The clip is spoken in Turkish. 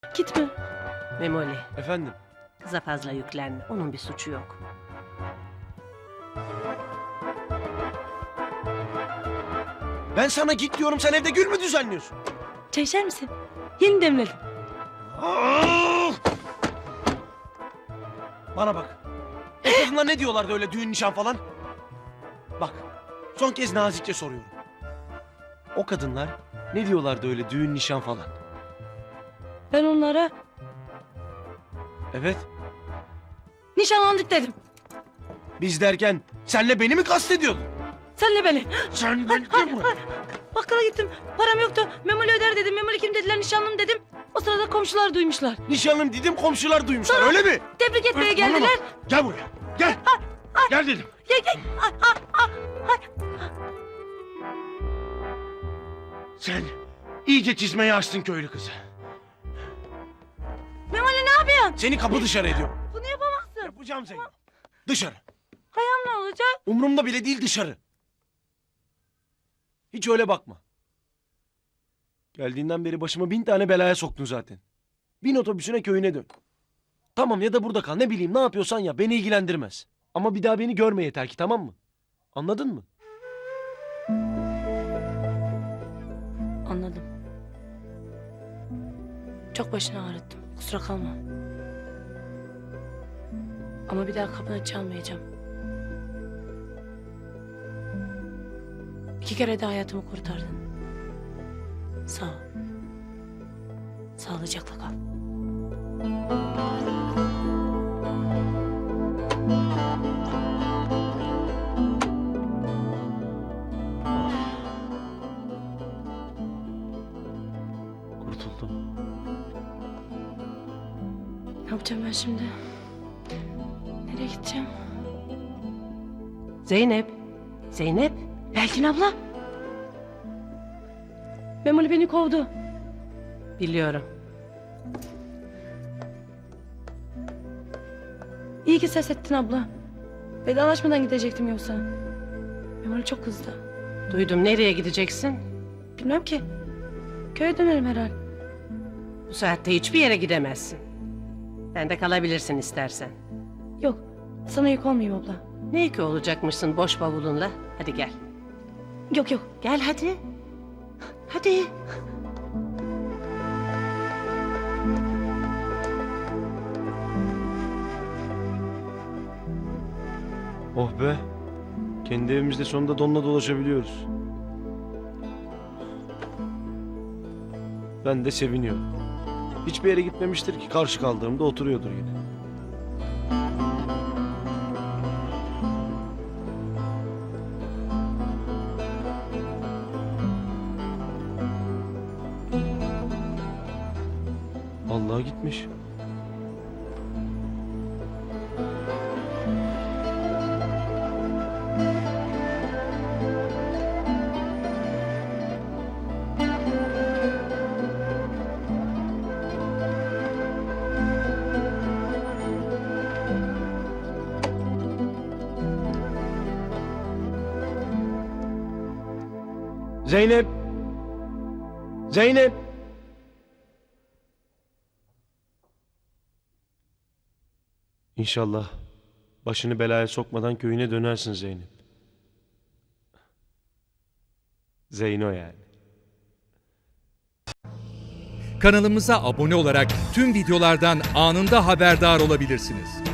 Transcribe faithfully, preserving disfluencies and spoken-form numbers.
Gitme. Memoli, Efendim? kıza fazla yüklenme. Onun bir suçu yok. Ben sana git diyorum, sen evde gül mü düzenliyorsun? Çay içer misin? Yeni demledim. Ah! Bana bak. O kadınlar ne diyorlardı öyle düğün nişan falan? Bak, son kez nazikçe soruyorum. O kadınlar ne diyorlardı öyle düğün nişan falan? Ben onlara Evet, nişanlandık dedim. biz derken senle beni mi kastediyordun? Senle beni. Sen beni gel buraya. Bakkala gittim. Param yoktu. Memoli öder dedim. Memoli kim dediler, nişanlım dedim. O sırada komşular duymuşlar. Nişanlım dedim, komşular duymuşlar, öyle mi? Tebrik etmeye Bana geldiler. bak, gel buraya, gel. Gel dedim. Gel gel. Ay, ay, ay, ay. Sen iyice çizmeyi açtın köylü kızı. Memoli ne yapıyorsun? Seni kapı dışarı ediyorum. Bunu yapamazsın. Yapacağım seni. Dışarı. Ayağım ne olacak? Umurumda bile değil, dışarı. Hiç öyle bakma. Geldiğinden beri başıma bin tane belaya soktun zaten. Bin otobüsüne, köyüne dön. Tamam, ya da burada kal, ne bileyim, ne yapıyorsan ya, beni ilgilendirmez. Ama bir daha beni görme yeter ki, tamam mı? Anladın mı? Anladım. Çok başını ağrıttım. Kusura kalma. Ama bir daha kapını çalmayacağım. İki kere de hayatımı kurtardın. Sağ ol. Sağlıcakla kal. Kurtuldum. Ne yapacağım ben şimdi? Nereye gideceğim? Zeynep, Zeynep. Belkin abla. Memoli beni kovdu. Biliyorum. İyi ki ses ettin abla. Vedalaşmadan gidecektim yoksa. Memoli çok kızdı. Duydum, nereye gideceksin? Bilmem ki. Köye dönerim herhal. Bu saatte hiçbir yere gidemezsin. Ben de kalabilirsin istersen. Yok. Sana yük olmayayım abla. Ne ki olacakmışsın boş bavulunla? Hadi gel. Yok yok. Gel hadi. Hadi. Oh be. Kendi evimizde sonunda donla dolaşabiliyoruz. Ben de seviniyorum. Hiçbir yere gitmemiştir ki, karşı kaldığımda oturuyordur yine. Vallahi gitmiş. Zeynep! Zeynep! İnşallah başını belaya sokmadan köyüne dönersin Zeynep. Zeyno yani. Kanalımıza abone olarak tüm videolardan anında haberdar olabilirsiniz.